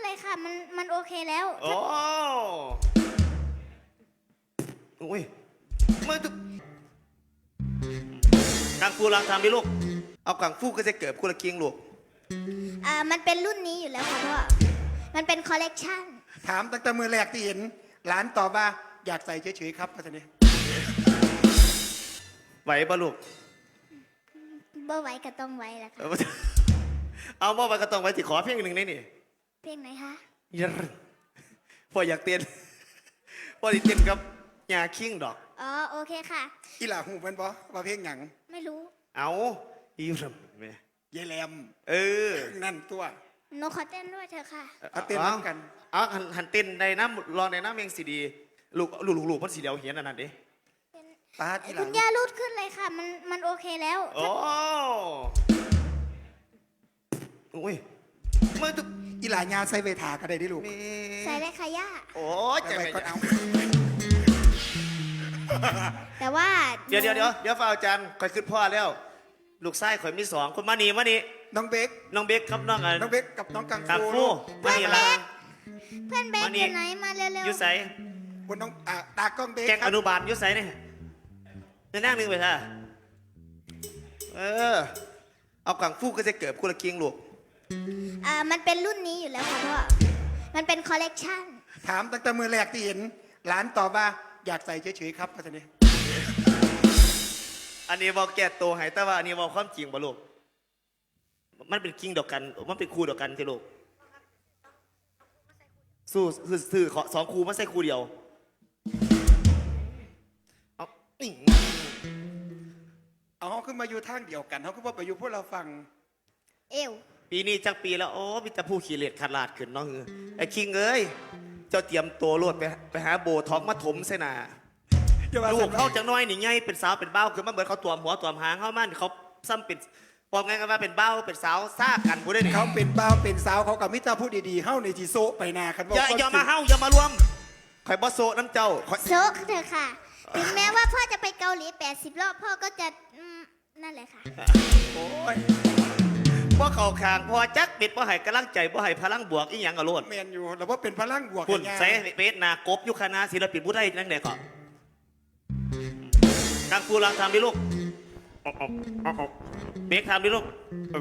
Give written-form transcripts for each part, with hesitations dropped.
เลยค่ะมันโอเคแล้วโอ้โอ้ยมาดูกังฟูลองทำดิลูกเอากังฟูก็จะเกิดกุละเกียงลูกมันเป็นรุ่นนี้อยู่แล้วค่ะพ่อมันเป็นคอลเลกชันถามตั้งแต่มือแรกที่เห็นหลานตอบว่าอยากใส่เฉยๆครับพ่อท่านนี่ไหวปะลูกบ่ไหวก็ต้องไหวแหละค่ะเอาบ่ไปก็ต้องไว้ที่ขอเพียงหนึ่งนี่เพลงไหนคะยันพออยากเต้นพออยากเต้นกับยาคิงดอกอ๋อโอเคค่ะอีหล่าหูเป็นปะว่าเพลงหยังไม่รู้เอาอีรำแม่ยายแหลมนั่นตัวหนูขอเต้นด้วยเถอะค่ะเอาเต้นกันเอาหันเต้นในน้ำรอในน้ำเองสีดีลูกมันสีเดียวเหียนอันนั้นดิตาที่หลังคุณย่ารูดขึ้นเลยค่ะมันโอเคแล้วโอ้โอ้ยมาดูอีหลายาใส่เวทาก็ได้ดิลูกใส่ได้ค่ะย่าโอ้ยใจก็เอาแต่ว่าเดี๋ยวฝ่าอาจารย์คอยขึ้นพ่อแล้วลูกชายข่อยมี2คนมานี่น้องเบคครับน้องเบคกับน้องกังฟูมานี่ละเพื่อนเบคอยู่ไหนมาเร็วๆอยู่ใส่คนน้องตากล้องเบคแกงอนุบาลอยู่ใส่เนี่ยนั่งนึงไปท่าเอากังฟูก็จะเกิดกุละเกียงลูกมันเป็นรุ่นนี้อยู่แล้วค่ะพ่อมันเป็นคอลเลกชันถามตั้งแต่มือแรกที่เห็นหลานตอบว่าอยากใส่เฉยๆครับพ่อท่านนี่อันนี้บอกแก่โตหายแต่ว่าอันนี้บอกความจริงบ่ลูกมันเป็นคิงดอกกันมันเป็นคู่ดอกกันที่ลูกสู้คือ2คู่ไม่ใช่คู่เดียวเอาขึ้นมาอยู่ทางเดียวกันเขาก็บอกไปอยู่พวกเราฟังปีนี้จักปีแล้วโอ้มีแต่ผู้ขี้เหร่ขาดลาดขึ้นน้องไอ้คิงเอ้ยเจ้าเตรียมตัวรวดไปหาโบท็อกมาถมเสนาลูกเขาจังน้อยนี่ไงเป็นสาวเป็นเบ้าคือมันเหมือนเขาตัวหัวตัวหางเขามันเขาซ้ำเป็นบอกไงกันว่าเป็นเบ้าเป็นสาวซ่ากันผู้ได้เนี่ยเขาเป็นเบ้าเป็นสาวเขากับมิตรพูดดีๆเฮ้าในทีโซไปนาคันว่าอย่ามาเฮ้าอย่ามารวมใครบอสโซน้ำเจ้าโซเถอะค่ะถึงแม้ว่าพ่อจะไปเกาหลี80 รอบพ่อก็จะนั่นแหละค่ะโอ้ยพ่อเข่าคางพ่อจักปิดพ่อให้กำลังใจพ่อให้พลังบวกอีหยังกระโดดเมนอยู่แล้วว่าเป็นพลังบวกคุณใส่เบสนากบยุคณะศิลปินผู้ไทยนั่งไหนก่อนกังฟูลองทำดิลูกเบสทำดิลูก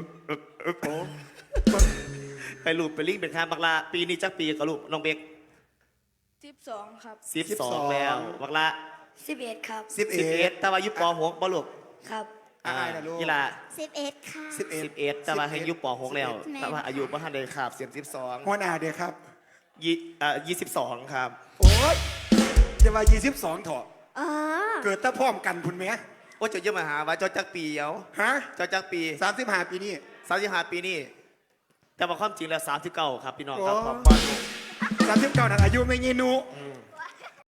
ไปลูกไปลิงเป็นคางบักลาปีนี้จักปีกับลูกน้องเบก 12ครับ 12แล้วบักลา 11ครับ 11แต่ว่ายุปป.6บ่ลูกครับกีฬา 11ค่ะ 11แต่ว่าให้ยุปป.6แล้วแต่ว่าอายุบ่ทันได้ครับเสียง12 หัวหน้าเด้อครับ 22ครับโอ้ยจะมา22เถอะเกิดตะพร้อมกันพุ่นแม่โอ้เจ้าเยอะมาหาว่าเจ้าจักปีเอาฮะเจ้าจักปี 35 ปีนี้ 35 ปีนี้แต่ว่าความจริงแล้ว39ครับพี่น้องครับขอบ 39นั่นอายุไม่ยีนู